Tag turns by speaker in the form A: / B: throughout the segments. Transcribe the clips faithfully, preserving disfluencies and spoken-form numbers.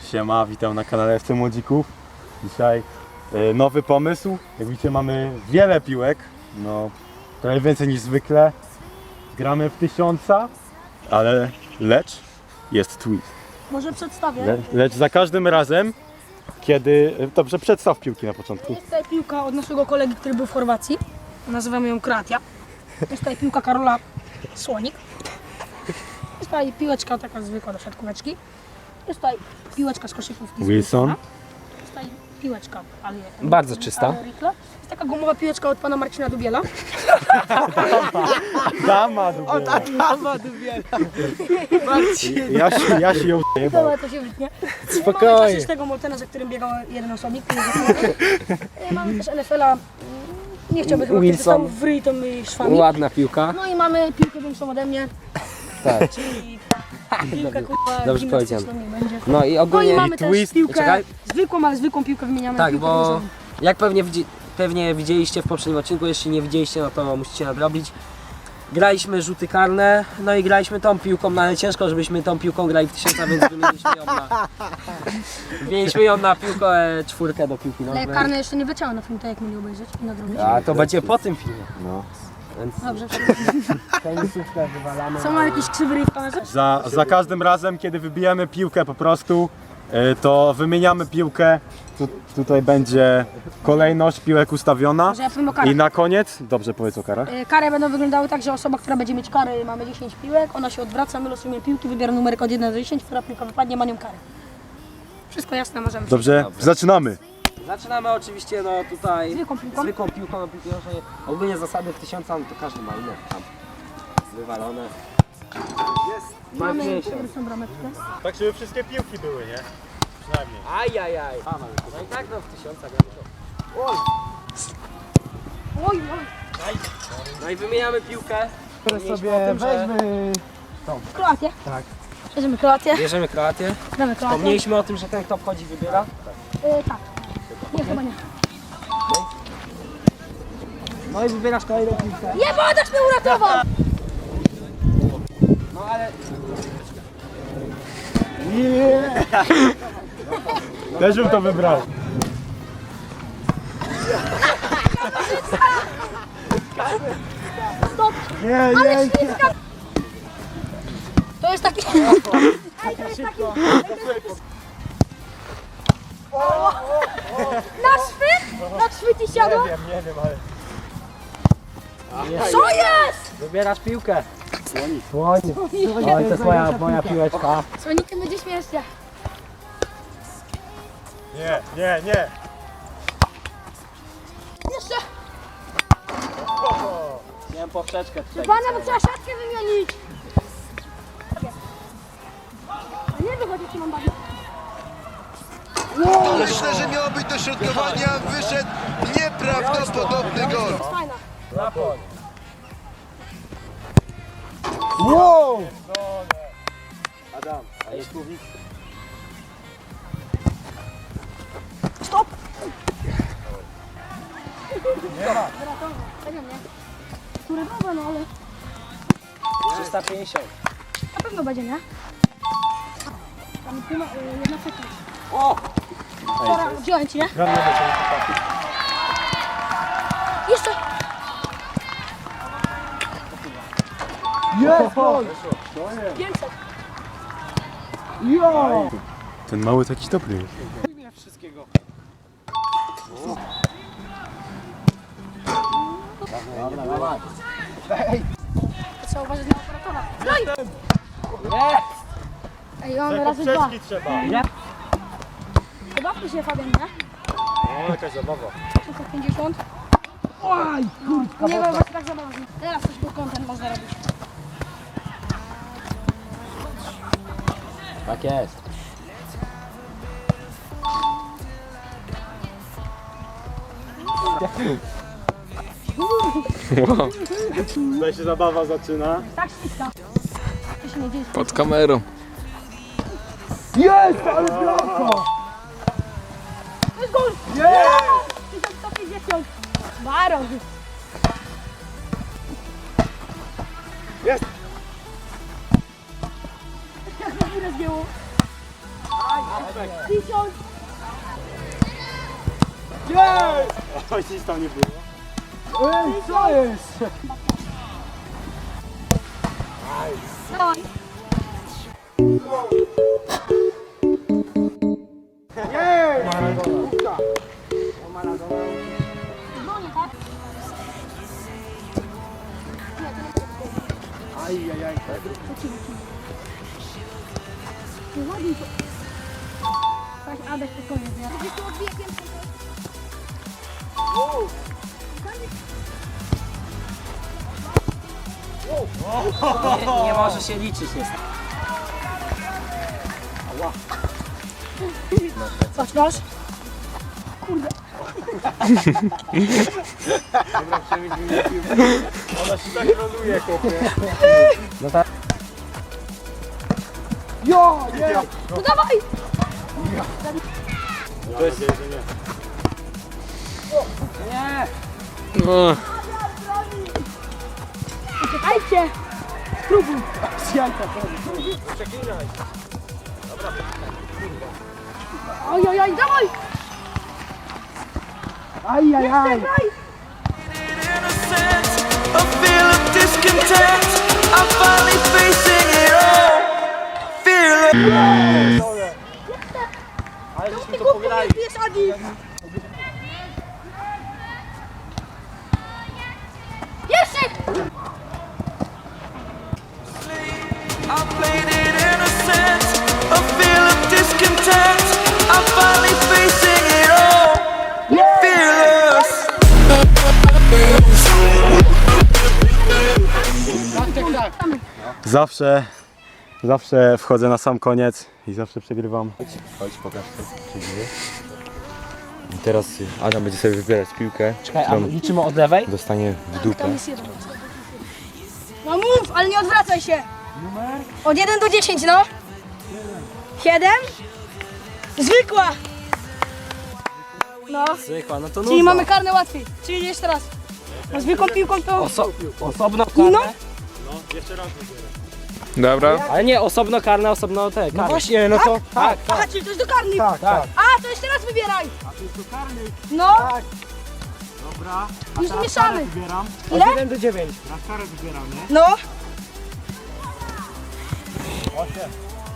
A: Siema, witam na kanale F C Młodzików. Dzisiaj y, nowy pomysł. Jak widzicie, mamy wiele piłek, no trochę więcej niż zwykle. Gramy w tysiąca, ale lecz jest twist.
B: Może przedstawię.
A: Le, lecz za każdym razem, kiedy... Dobrze, przedstaw piłki na początku.
B: Jest tutaj piłka od naszego kolegi, który był w Chorwacji. Nazywamy ją Kroatia. Jest tutaj piłka Karola Słonik. Jest tutaj piłeczka taka zwykła do siatkóweczki. Jest tutaj piłeczka z koszykówki. z
A: Wilson.
B: Wilsona. Jest tutaj piłeczka, ale
C: Bardzo czysta.
B: ale Rikla. Jest taka gumowa piłeczka od pana Marcina Dubiela.
A: Dama Dubiela.
C: Dama Dubiela.
A: Ja się, ja się ją jebał.
B: Dobra, to się wytnie. Mamy
C: Spokojnie.
B: klasycznego Moltena, za którym biegał jeden osobnik. Mamy też N F L-a. Nie chciałbym chyba, kiedy
C: Wilson.
B: tam w ryj tymi szwami.
C: Ładna piłka.
B: No i mamy piłkę większą ode mnie,
C: Tak.
B: czyli piłkę kurwa
C: dobrze
B: gimnastyczną nie będzie.
C: No i
B: No i
C: ogólnie,
B: mamy też
A: twist.
B: piłkę
C: Czekaj.
B: zwykłą, ale zwykłą piłkę wymieniamy
C: tak,
B: na piłkę
C: bo
B: większą.
C: jak pewnie, widzi, pewnie widzieliście w poprzednim odcinku, jeśli nie widzieliście, no to musicie nadrobić. Graliśmy rzuty karne, no i graliśmy tą piłką, no ale ciężko, żebyśmy tą piłką grali w tysiąca, więc wymieniliśmy ją na... Wymieniliśmy ją na piłkę e, czwórkę do piłki
B: Ale
C: nożnej.
B: karne jeszcze nie wleciały na film, tak jak mieli obejrzeć i nadrobić.
C: A to będzie po tym filmie.
A: No.
C: Więc
B: Dobrze,
C: tenisówkę wywalamy.
B: co ma jakiś krzywy ryj w kamerze?
A: Za, za każdym razem, kiedy wybijemy piłkę po prostu, y, to wymieniamy piłkę. Tu, tutaj będzie kolejność piłek ustawiona.
B: Może ja powiem o karach.
A: I na koniec, dobrze powiedz o karach.
B: E, Kary będą wyglądały tak, że osoba, która będzie mieć kary, mamy dziesięć piłek, ona się odwraca, my losujemy piłki, wybiera numerek od jeden do dziesięciu, która piłka wypadnie, ma nią karę. Wszystko jasne, możemy.
A: Dobrze, zaczynamy.
C: Zaczynamy oczywiście no tutaj
B: Zwykłą piłką.
C: zwykłą piłką na piłkę nożnej. Ogólnie zasady w tysiąca, no to każdy ma inne tam wywalone. Jest.
B: Mamy
C: pięćdziesiąt.
B: pierwszą brameczkę.
A: Tak, żeby wszystkie piłki były, nie? Przynajmniej.
C: Ajajaj. No i tak no w tysiąca gramy to. Oj.
B: Oj, oj.
C: No i wymieniamy piłkę.
D: Które
C: Mieliśmy
D: sobie
C: o tym, że-
D: weźmy.
B: Kroatię.
D: Tak.
B: Bierzemy Kroatię.
C: Bierzemy Kroatię.
B: Damy Kroatię.
C: Wspomnieliśmy o tym, że ten kto wchodzi wybiera.
B: E, tak. Nie, chyba nie.
C: No i wybierasz kolejną piłkę.
B: Nie, wodasz mnie uratował!
C: No ale
A: Też bym to wybrał.
B: Stop!
A: Nie,
B: Ale śliska! To jest taki... Ej, to jest taki... Na szwyt? Na szwyt i siadło?
A: nie wiem, ale...
B: Co jest?
C: wybierasz piłkę.
D: Oj, to jest moja, moja piłeczka.
B: Słonikiem będzie śmiesznie.
A: Nie, nie, nie.
B: Jeszcze!
C: Miałem poprzeczkę tutaj.
B: Pana, bo trzeba siatkę wymienić! A nie wychodzi, czy mam bawić.
E: Myślę, że miało być dośrodkowanie, a wyszedł nieprawdopodobny gol.
B: Jest fajna.
D: Wow!
C: Adam, a jest słownik?
B: Stop! Nie ma. Nie wiem, nie. Które dobra, no ale
C: trzysta pięćdziesiąt.
B: na pewno będzie, nie? Tam pół, y, jedna sekunda.
C: O!
B: Dobra, wziąłem ci, nie? Jeszcze!
D: Jest gol!
B: pięćset.
D: Jo!
A: Ten mały taki dobry.
B: Trzeba uważać na operatora. Oj! Ej, mamy razy dwa.
A: Poprzeczki trzeba.
B: Pobawmy się, Fabian, nie?
A: O, jakaś zabawa.
B: trzysta pięćdziesiąt. Oj, kurczka. Nie wiem, właśnie tak zabawnie. Teraz coś tu content można robić.
C: Tak jest.
A: Tutaj się zabawa zaczyna.
B: Tak, ściska. To się nie dzieje.
F: Pod kamerą.
D: Jest! Ale bramka!
B: To jest gol! Jest! tysiąc sto pięćdziesiąt. Baron.
A: Jest!
B: Jak to mi rozgięło? Tysiąc.
A: Oj, nic tam nie było.
D: Ej, co jest?
B: Dawaj. Dzwonię, tak?
A: Ajajaj.
B: Nie ładuj to. Patrz, Adaś spokojnie, nie? Gdzieś tu odbije piętkę.
C: Nie, nie może się liczyć jest.
B: Patrz, masz.
A: Ona się tak roluje, chłopie.
C: No tak.
D: Jo, nie!
B: No dawaj!
A: To jest... że nie.
C: Nie!
B: Uciekajcie! Spróbuj! Oj, oj, oj, dawaj!
D: Ajajaj!
B: Dawaj!
F: A feel of discontent. I'm finally facing it all. Fearless.
C: Ale żeśmy
B: Ty
C: to
B: głupio
C: pograli.
B: nie pijesz, Adi! Jeszcze!
F: I played it innocent. A feel of discontent. I'm finally facing it all. Fearless.
A: Zawsze, zawsze wchodzę na sam koniec i zawsze przegrywam. Chodź, pokaż to. I teraz Adam będzie sobie wybierać piłkę,
C: Czekaj, a liczymy od lewej?
A: dostanie w dupę.
B: Tam jest jeden. No mów, ale nie odwracaj się! Od jeden do dziesięć, no! siedem. Zwykła! No,
C: Zwykła, no to
B: czyli
C: nudno.
B: mamy karne łatwiej. Czyli jeszcze raz. No, zwykłą piłką to...
C: Oso osobno
B: No.
C: karne?
G: Dobra.
C: Ale nie, osobno karne, osobno te karne.
D: Właśnie, no to...
C: Tak,
B: Aha, czyli to jest do karnych.
D: Tak, tak.
B: A, to jeszcze raz wybieraj. A, to jest do karnych. No.
A: Dobra.
B: Już mieszamy.
A: Wybieram.
B: Ile?
D: Od jeden do dziewięć.
A: Na karę wybieram, nie?
B: No.
A: Osiem.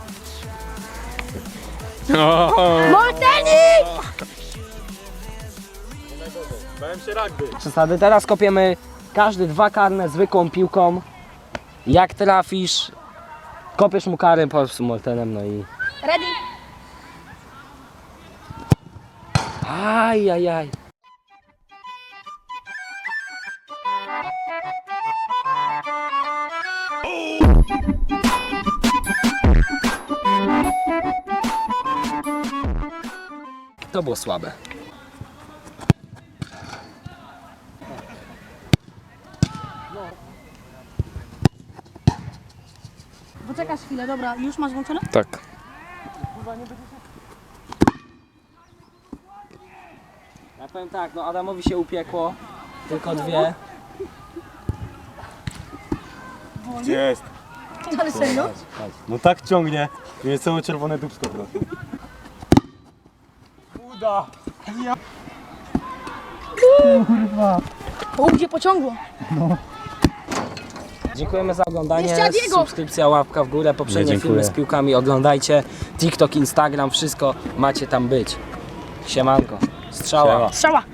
B: Mortenik!
A: Bałem się rugby.
C: Przesady. Teraz kopiemy każdy dwa karne zwykłą piłką. Jak trafisz, kopiesz mu karę po prostu moltenem, no i...
B: Ready?
C: Aj, aj, aj. To było słabe.
B: Poczekasz chwilę, dobra. Już masz włączone?
G: Tak.
C: Ja powiem tak, no Adamowi się upiekło. Tylko dwie.
A: Gdzie jest?
B: Ale serio?
A: No tak ciągnie. Mnie całe czerwone dupsko trochę. Uda.
B: O, gdzie pociągło?
C: Dziękujemy za oglądanie.
B: Jeszcze Adiego.
C: Subskrypcja, łapka w górę. Poprzednie
A: Nie, dziękuję.
C: filmy z piłkami oglądajcie. TikTok, Instagram, wszystko macie tam być. Siemanko. Strzała.
A: Siema.
B: Strzała.